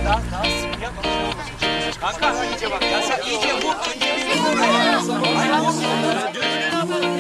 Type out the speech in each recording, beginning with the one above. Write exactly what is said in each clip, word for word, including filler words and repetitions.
Daha, daha sık yap. Kanka iyice bak. Ya sen iyice bu. Hayır bu.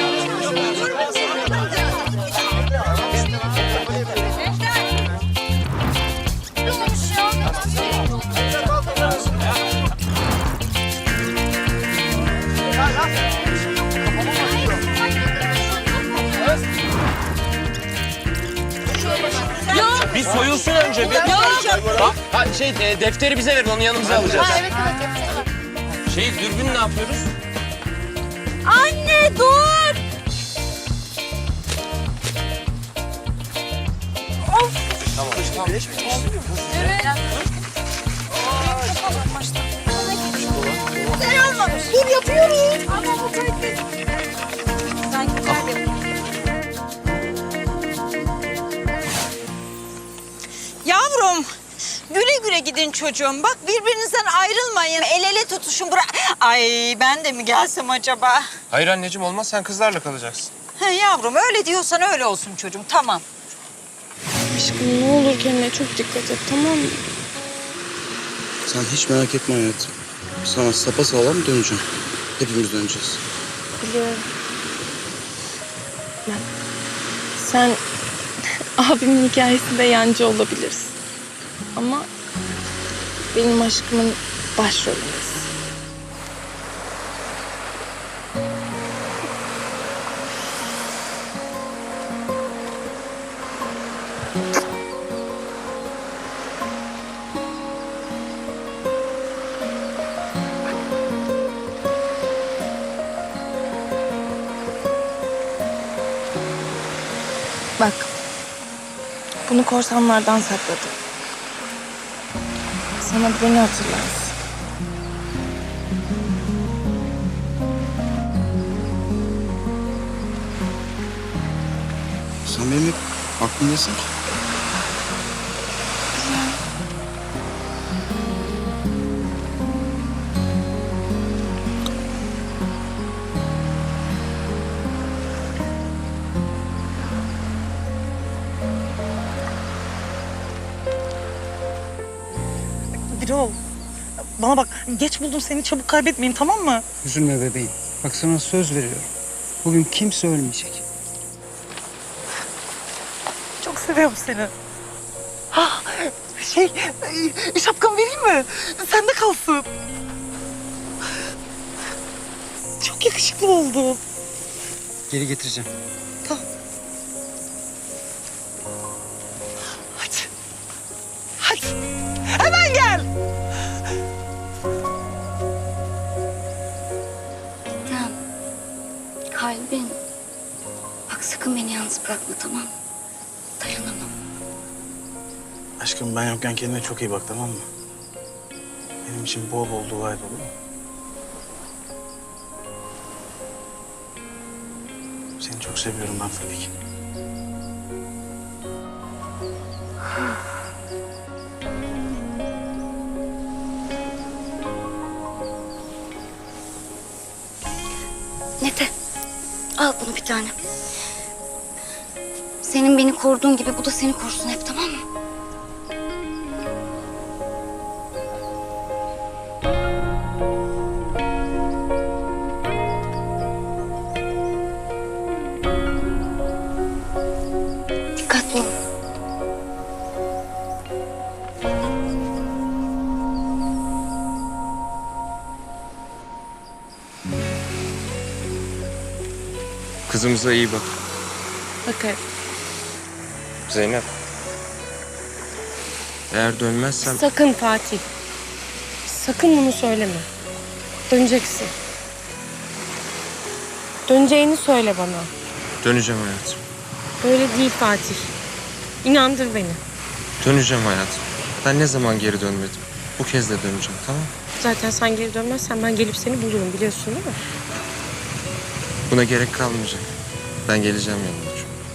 Bir soyulsun önce. Bir... Bak, ha, şey e, defteri bize verin, onu yanımıza alacağız. Ha, evet, evet, evet. Şey dürbün ne yapıyoruz? Anne dur! Of! Tamam. Tamam. Evet. Güzel olmamış. Dur yapıyoruz. Ama bu kaliteli. Sen güzel yapıyorsun. Yavrum, güle güle gidin çocuğum. Bak birbirinizden ayrılmayın. El ele tutuşun. Bırak. Ay ben de mi gelsem acaba? Hayır anneciğim olmaz, sen kızlarla kalacaksın. He yavrum öyle diyorsan öyle olsun çocuğum. Tamam. Aşkım ne olur kendine çok dikkat et, tamam mı? Sen hiç merak etme hayatım. Sana sapasağlam döneceğim. Hepimiz döneceğiz. Biliyorum. Ben, sen abimin hikayesinde yancı olabilirsin. Ama benim aşkımın başrolündesin. Bak, bunu korsanlardan sakladım. Sana beni hatırlarsın. Sen benim hep aklımdasın ki. Birol, bana bak geç buldum seni, çabuk kaybetmeyeyim, tamam mı? Üzülme bebeğim. Bak sana söz veriyorum. Bugün kimse ölmeyecek. Çok seviyorum seni. Ha, şey, e, şapkamı vereyim mi? Sende kalsın. Çok yakışıklı oldun. Geri getireceğim. Hadi. Hadi. Hemen gel. Tamam. Kalbim. Bak sakın beni yalnız bırakma, tamam mı? Dayanamam. Aşkım ben yokken kendine çok iyi bak, tamam mı? Benim için bol bol dua et, olur mu? Seni çok seviyorum ben Fadik. Mete, al bunu bir tane. Senin beni koruduğun gibi bu da seni korusun hep, tamam mı? Dikkatli ol. Kızımıza iyi bak. Bakar. Zeynep. Eğer dönmezsem... Sakın Fatih. Sakın bunu söyleme. Döneceksin. Döneceğini söyle bana. Döneceğim hayatım. Öyle değil Fatih. İnandır beni. Döneceğim hayatım. Ben ne zaman geri dönmedim? Bu kez de döneceğim, tamam mı? Zaten sen geri dönmezsen ben gelip seni bulurum, biliyorsun değil mi? Buna gerek kalmayacak. Ben geleceğim yanına.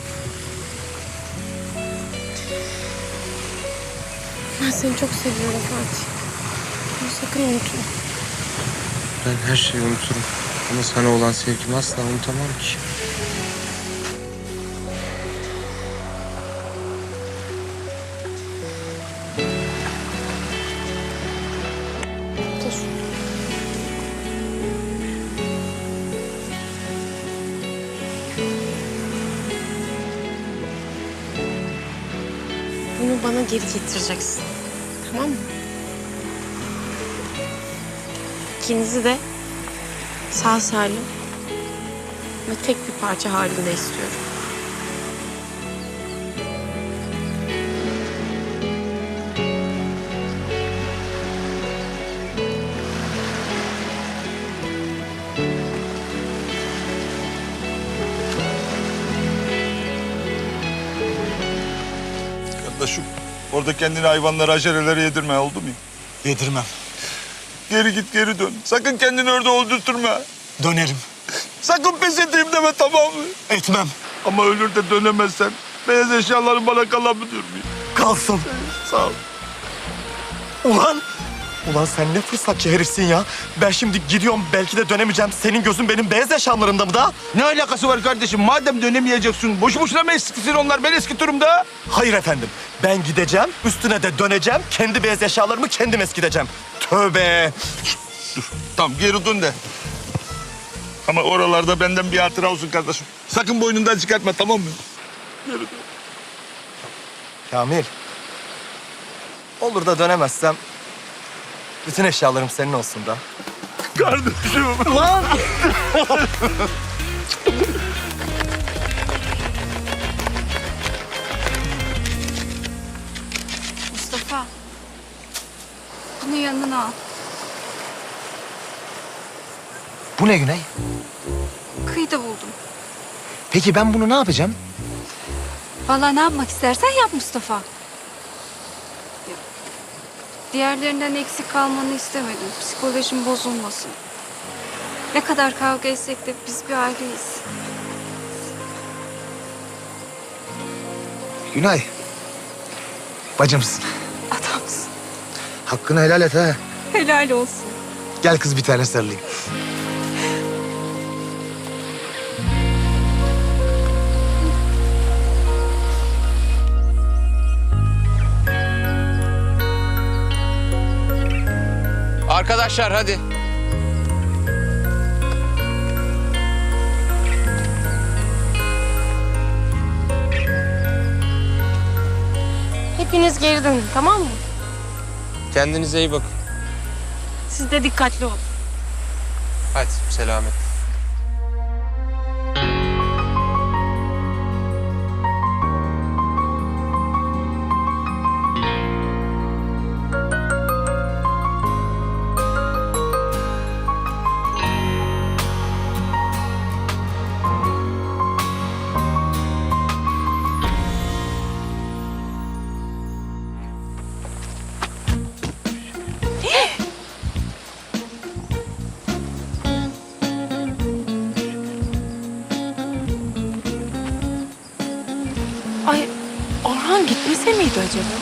Ben seni çok seviyorum Fatih. Bunu sakın unutma. Ben her şeyi unuturum. Ama sana olan sevgimi asla unutamam ki. bana geri getireceksin. Tamam mı? İkinizi de sağ salim ve tek bir parça halinde istiyorum. Kardeşim, orada kendini hayvanlara, aşerelere yedirme, oldu mu? Yedirmem. Geri git, geri dön. Sakın kendini orada öldürtürme. Dönerim. Sakın pes edeyim deme, tamam mı? Etmem. Ama ölür de dönemezsen beyaz eşyaların bana kalabilir mi? Kalsın. Sağ ol. Ulan! Ulan sen ne fırsatçı herifsin ya. Ben şimdi gidiyorum, belki de dönemeyeceğim. Senin gözün benim beyaz eşyalarımda mı da? Ne alakası var kardeşim? Madem dönemeyeceksin, boşu boşuna mı eskisin onlar? Ben eskitirim da. Hayır efendim. Ben gideceğim, üstüne de döneceğim. Kendi beyaz eşyalarımı kendim eskiteceğim. Tövbe! Dur, tamam geri dön de. Ama oralarda benden bir hatıra olsun kardeşim. Sakın boynundan çıkartma, tamam mı? Geri dön. Kamil. Olur da dönemezsem bütün eşyalarım senin olsun da. Kardeşim. Lan! Mustafa. Bunu yanına al. Bu ne Güney? Kıyıda buldum. Peki ben bunu ne yapacağım? Vallahi ne yapmak istersen yap Mustafa. Diğerlerinden eksik kalmanı istemedim. Psikolojim bozulmasın. Ne kadar kavga etsek de biz bir aileyiz. Günay. Bacımsın. Adamsın. Hakkını helal et ha. Helal olsun. Gel kız bir tane sarılayım. Arkadaşlar hadi. Hepiniz geri dönün, tamam mı? Kendinize iyi bakın. Siz de dikkatli olun. Hadi selamet. Ay, Orhan gitmese miydi acaba?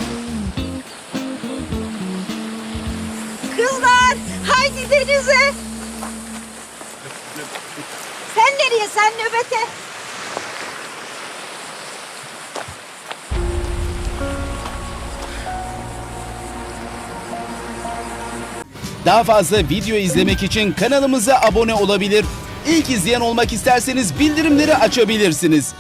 Kızlar haydi denize. Sen nereye? Sen nöbete. Daha fazla video izlemek için kanalımıza abone olabilir. İlk izleyen olmak isterseniz bildirimleri açabilirsiniz.